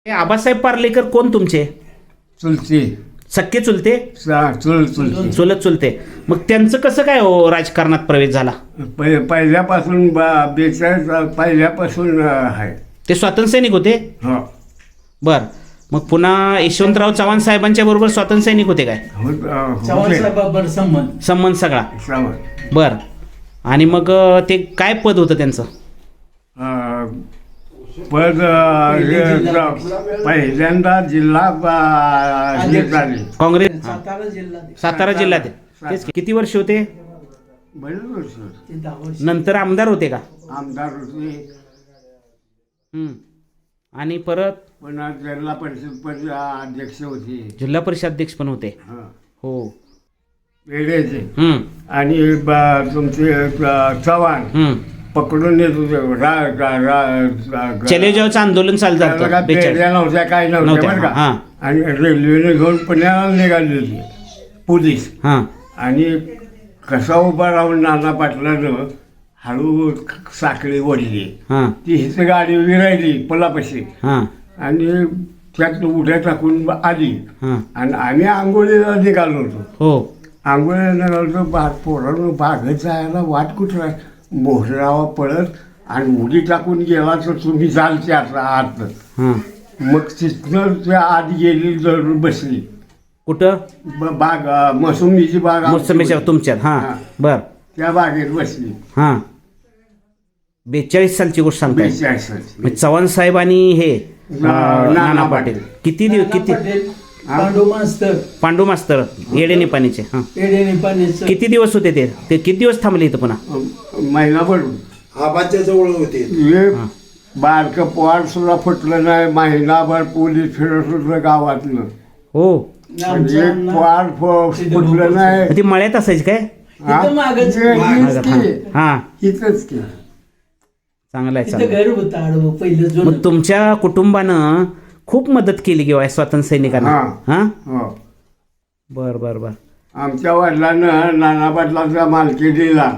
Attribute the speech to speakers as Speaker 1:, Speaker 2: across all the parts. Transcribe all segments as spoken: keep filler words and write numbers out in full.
Speaker 1: आबासाहेब पार्लेकर कोण तुमचे?
Speaker 2: चुलते.
Speaker 1: सख्खे चुलते?
Speaker 2: सा- चुल चुलते.
Speaker 1: चुलत चुलते. मग त्यांचं कसं काय हो राजकारणात प्रवेश झाला?
Speaker 2: पहि- पहिल्यापासून बा- बेचाळीस पहिल्यापासून अं, आहे.
Speaker 1: ते स्वातंत्र्य सैनिक होते?
Speaker 2: हो.
Speaker 1: बर. मग पुन्हा यशवंतराव चव्हाण साहेबांच्या बरोबर स्वातंत्र्य सैनिक होते काय?
Speaker 2: होत- अं,
Speaker 3: चव्हाण
Speaker 2: होते.
Speaker 3: साहेबाबर संबंध
Speaker 1: संबंध सगळा.
Speaker 2: सावंत.
Speaker 1: बर. आणि मग अं, ते काय पद होतं त्यांचं?
Speaker 2: अं, पद अं, हे
Speaker 3: जिल्हा.
Speaker 2: पहिल्यांदा जिल्हा अं, हे झाले.
Speaker 1: काँग्रेस हा.
Speaker 3: सातारा जिल्हा
Speaker 1: सातारा जिल्ह्यात आहे. तेच की. किती वर्ष होते?
Speaker 2: बरेच वर्ष
Speaker 3: ते दहा वर्ष.
Speaker 1: नंतर आमदार होते का?
Speaker 2: आमदार होते.
Speaker 1: हम्म. आणि परत
Speaker 2: पुन्हा जिल्हा परिषद पद अध्यक्ष होते.
Speaker 1: जिल्हा परिषद अध्यक्ष पण होते.
Speaker 2: हं.
Speaker 1: हो.
Speaker 2: पेढेचे.
Speaker 1: हम्म.
Speaker 2: आणि ब- तुमचे अं, चव्हाण
Speaker 1: हम्म.
Speaker 2: पकडून येत होते. रा- रा- रा- रा-
Speaker 1: चले जावचं आंदोलन चालू
Speaker 2: त्याला काय
Speaker 1: झालं बेचाळीस.
Speaker 2: पेढ्या नव्हत्या, काय नव्हत्या
Speaker 1: नव्हत्या,
Speaker 2: बरं का.
Speaker 1: हां.
Speaker 2: आणि रेल्वेने घेऊन पुण्याला निघाली होती पोलीस.
Speaker 1: हां.
Speaker 2: आणि कसा उभा राहून नाना पाटलानं हळू साखळी ओढली.
Speaker 1: हां.
Speaker 2: ती हिच गाडी उभी राहिली पुलापाशी
Speaker 1: हां.
Speaker 2: आणि त्यात उड्या टाकून आली.
Speaker 1: हां.
Speaker 2: आणि आम्ही आंघोळीला निघालो होतो.
Speaker 1: हो.
Speaker 2: आंघोळीला निघालो होतो. बाग पोरानं बागेत जायला वाट कुठं मोहरावा पळत आणि उडी टाकून गेला तर तुम्ही जाल त्याचा आत.
Speaker 1: हां.
Speaker 2: मग तिथनं त्या आत गेली जरूर बसली.
Speaker 1: कुठं?
Speaker 2: ब- बाग अं, मोसंबीची बाग आमची
Speaker 1: मोसंबीच्या
Speaker 2: होती.
Speaker 1: तुमच्यात. हां.
Speaker 2: हां.
Speaker 1: बर.
Speaker 2: त्या बागेत बसली.
Speaker 1: हां. बेचाळीस सालची गोष्ट सांगताय.
Speaker 2: बेचाळीस
Speaker 1: मग चव्हाण साहेब आणि हे अं,
Speaker 2: नाना
Speaker 1: नाना
Speaker 2: पाटील.
Speaker 1: पाटील किती दिवस किती
Speaker 3: पटेल, पांडू मास्तर
Speaker 1: पांडू मास्तर येडे निपाणीचे. हां.
Speaker 3: पेढे निपाणीचं
Speaker 1: किती दिवस होते ते ते किती दिवस थांबले इथं पुन्हा?
Speaker 2: महिनाभर
Speaker 4: आबाच्या जवळ होते.
Speaker 2: हे बारकं पोहार सुद्धा फुटलं नाही. महिनाभर पोलीस फिरत होतं गावातनं.
Speaker 1: हो.
Speaker 2: म्हणजे
Speaker 3: आमचं अण्णा-
Speaker 2: पोहार फ- फुटलं नाही.
Speaker 1: मग ती मळ्यात असायची काय?
Speaker 2: हा?
Speaker 3: इथं मागच-
Speaker 2: हे-
Speaker 3: मागच
Speaker 2: हेच
Speaker 1: हां.
Speaker 2: की.
Speaker 1: हां.
Speaker 2: इथंच की.
Speaker 1: चांगलं आहे
Speaker 3: तिथं
Speaker 1: चांगलं आहे.
Speaker 3: घर होतं आडवं पहिलं जुनं.
Speaker 1: मग तुमच्या कुटुंबानं खूप मदत केली किंवा स्वातंत्र्य सैनिकांना.
Speaker 2: हां.
Speaker 1: हां.
Speaker 2: हो.
Speaker 1: बर बर बर.
Speaker 2: आमच्या वडिलांनं नाना पाटलाचा मालकी दिला.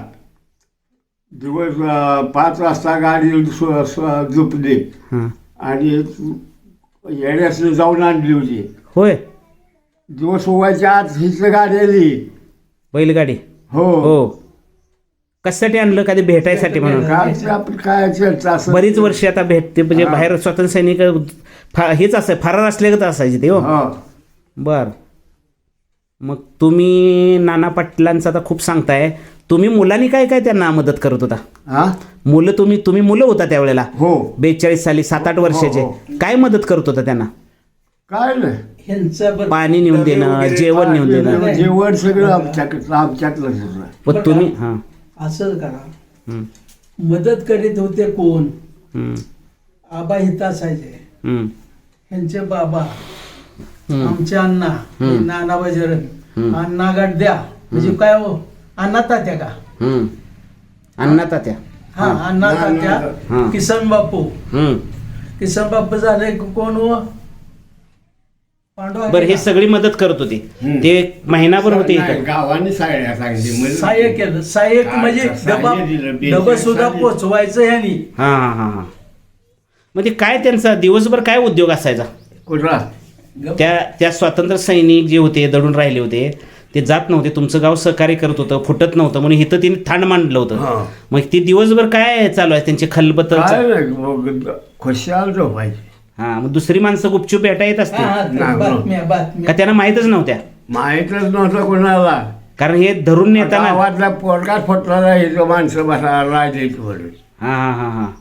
Speaker 2: दिवस अं, पाच वाजता गाडी स्व- स्व- झोपली
Speaker 1: हां.
Speaker 2: आणि येण्यास जाऊन आणली होती.
Speaker 1: होय.
Speaker 2: दिवस व्हायच्या आत हीच गाडी आली.
Speaker 1: बैलगाडी.
Speaker 2: हो.
Speaker 1: हो. कशासाठी आणलं? कधी भेटायसाठी म्हणून?
Speaker 2: काय आपण काय चर्चा असं
Speaker 1: बरीच वर्षे आता भेटते म्हणजे
Speaker 2: हां.
Speaker 1: बाहेर स्वातंत्र्य सैनिक फा- हेच असं फरार असले असायचे ते. हो.
Speaker 2: हो.
Speaker 1: बर. मग तुम्ही नाना पाटलांचं आता खूप सांगताय. तुम्ही मुलांनी काय काय त्यांना मदत करत होता?
Speaker 2: हा.
Speaker 1: मुलं तुम्ही तुम्ही मुलं होता त्यावेळेला
Speaker 2: हो.
Speaker 1: बेचाळीस साली सात आठ वर्षाचे.
Speaker 2: हो,
Speaker 1: काय मदत करत होता त्यांना?
Speaker 2: काय नाही.
Speaker 3: ह्यांचा बरं-
Speaker 1: पाणी नेऊन देणं, जेवण नेऊन देणं.
Speaker 2: जेवण सगळं आमच्याकडं आमच्यातलंच होतं.
Speaker 1: पण तुम्ही हां.
Speaker 3: असं करा.
Speaker 1: हं,
Speaker 3: मदत करीत होते कोण?
Speaker 1: हं,
Speaker 3: आबा हित असायचे.
Speaker 1: हं,
Speaker 3: ह्यांचे बाबा,
Speaker 1: हं.
Speaker 3: आमचे अण्णा,
Speaker 1: हम्म.
Speaker 3: नाना बजरंग,
Speaker 1: हम्म.
Speaker 3: अण्णा गड्ड्या म्हणजे काय हो अण्णा तात्या का?
Speaker 1: हं. अण्णा तात्या.
Speaker 3: हा अण्णा
Speaker 2: हा.
Speaker 3: तात्या, किसन बापू.
Speaker 1: हं.
Speaker 3: किसन बापू झाले कोण हो? पांडू
Speaker 1: बरं. हे सगळी मदत करत होते.
Speaker 2: हं.
Speaker 1: ते एक महिनाभर होते
Speaker 2: नाही,
Speaker 1: इकडे.
Speaker 2: गावाने साड्या सांगितली म्हणजे-
Speaker 3: सहाय्य केलं. सहाय्यक
Speaker 2: काय
Speaker 3: म्हणजे
Speaker 2: सहाय्य
Speaker 3: डबा
Speaker 2: दिलं, बेचाळीस
Speaker 3: डबा सुद्धा
Speaker 2: साली.
Speaker 3: पोचवायचं ह्यानी.
Speaker 1: हां हां हां हां. म्हणजे काय त्यांचा दिवसभर काय उद्योग असायचा?
Speaker 2: कुठला?
Speaker 1: त्या त्या स्वातंत्र्य सैनिक जे होते दडून राहिले होते ते जात नव्हते. तुमचं गाव सहकार्य करत होतं, फुटत नव्हतं म्हणून इथं तिने थांड मांडलं होतं.
Speaker 2: हां.
Speaker 1: मग ते दिवसभर काय चालू आहे त्यांचे खलबत?
Speaker 2: काय नाही मग खुशाल झोपायची.
Speaker 1: हां. मग दुसरी माणसं गुपचूप भेटा येत
Speaker 3: हा,
Speaker 1: असते
Speaker 3: हा, ते
Speaker 2: नाही,
Speaker 3: बातम्या
Speaker 1: का
Speaker 3: बातम्या
Speaker 1: त्यांना माहीतच नव्हत्या?
Speaker 2: माहीतच नव्हतं कोणाला.
Speaker 1: कारण हे धरून नेताना.
Speaker 2: गावातला पोरका फुटला हे माणसं बसा राजायची म्हणून.
Speaker 1: हां हां हां हां.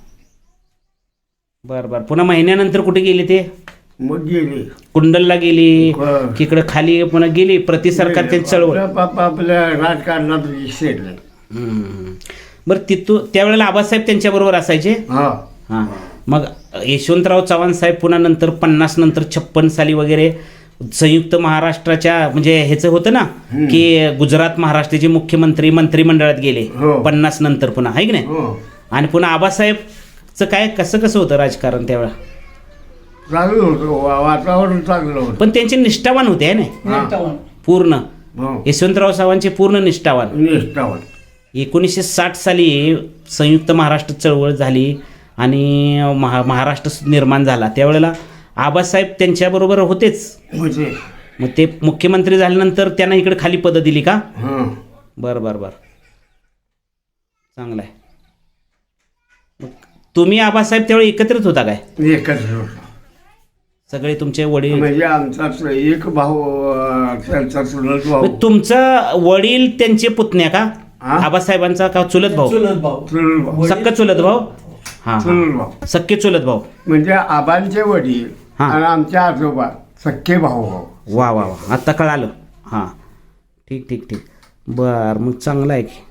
Speaker 1: बरं बरं. पुन्हा महिन्यानंतर कुठे गेली ते?
Speaker 2: मग गेली.
Speaker 1: कुंडलला गेली
Speaker 2: बरं.
Speaker 1: तिकडं खाली पुन्हा गेली प्रति सरकार त्यांची चळवळ.
Speaker 2: आपल्या पापा आपल्या राजकारणात विसरले.
Speaker 1: हम्म. बरं. तिथून त्यावेळेला आबासाहेब त्यांच्याबरोबर असायचे.
Speaker 2: हा.
Speaker 1: हां. मग यशवंतराव चव्हाण साहेब पुन्हा नंतर पन्नास नंतर छप्पन साली वगैरे संयुक्त महाराष्ट्राच्या म्हणजे ह्याचं होतं ना की गुजरात महाराष्ट्राचे मुख्यमंत्री मंत्रिमंडळात गेले
Speaker 2: हो.
Speaker 1: पन्नास नंतर पुन्हा, आहे की नाही?
Speaker 2: हो.
Speaker 1: आणि पुन्हा आबासाहेबचं काय कसं कसं होतं राजकारण त्यावेळेला?
Speaker 2: चांगलं होतं वा- वातावरण चांगलं होतं.
Speaker 1: पण त्यांचे निष्ठावान होते आहे ना
Speaker 3: निष्ठावान.
Speaker 1: पूर्ण.
Speaker 2: हो.
Speaker 1: यशवंतराव चव्हाणचे पूर्ण निष्ठावान.
Speaker 2: निष्ठावान.
Speaker 1: एकोणीसशे साठ साली संयुक्त महाराष्ट्र चळवळ झाली आणि महा महाराष्ट्र निर्माण झाला त्यावेळेला आबासाहेब त्यांच्याबरोबर होतेच.
Speaker 2: म्हणजे
Speaker 1: मग ते मुख्यमंत्री झाल्यानंतर त्यांना इकडे खाली पदं दिली का?
Speaker 2: हां
Speaker 1: बरं बरं बरं, चांगलं आहे. मग तुम्ही आबासाहेब त्यावेळी एकत्रित होता काय
Speaker 2: एकच होतो.
Speaker 1: सगळे तुमचे वडील?
Speaker 2: म्हणजे आमचाच एक भाऊ अं, त्यांचा चुलत भाऊ
Speaker 1: मग तुमचं वडील त्यांचे पुतण्या का
Speaker 2: हा?
Speaker 1: आबासाहेबांचा का चुलत भाऊ?
Speaker 3: चुलत भाऊ.
Speaker 2: चुलत भाऊ
Speaker 1: सक्क चुलत भाऊ? हां
Speaker 2: चुलत भाऊ
Speaker 1: सक्के चुलत भाऊ.
Speaker 2: म्हणजे आबांचे वडील
Speaker 1: हा.
Speaker 2: आणि आमच्या आजोबा सख्खे भाऊ भाऊ.
Speaker 1: वा वा वा, आत्ता कळालं. हां ठीक ठीक ठीक, बरं मग चांगलं आहे की.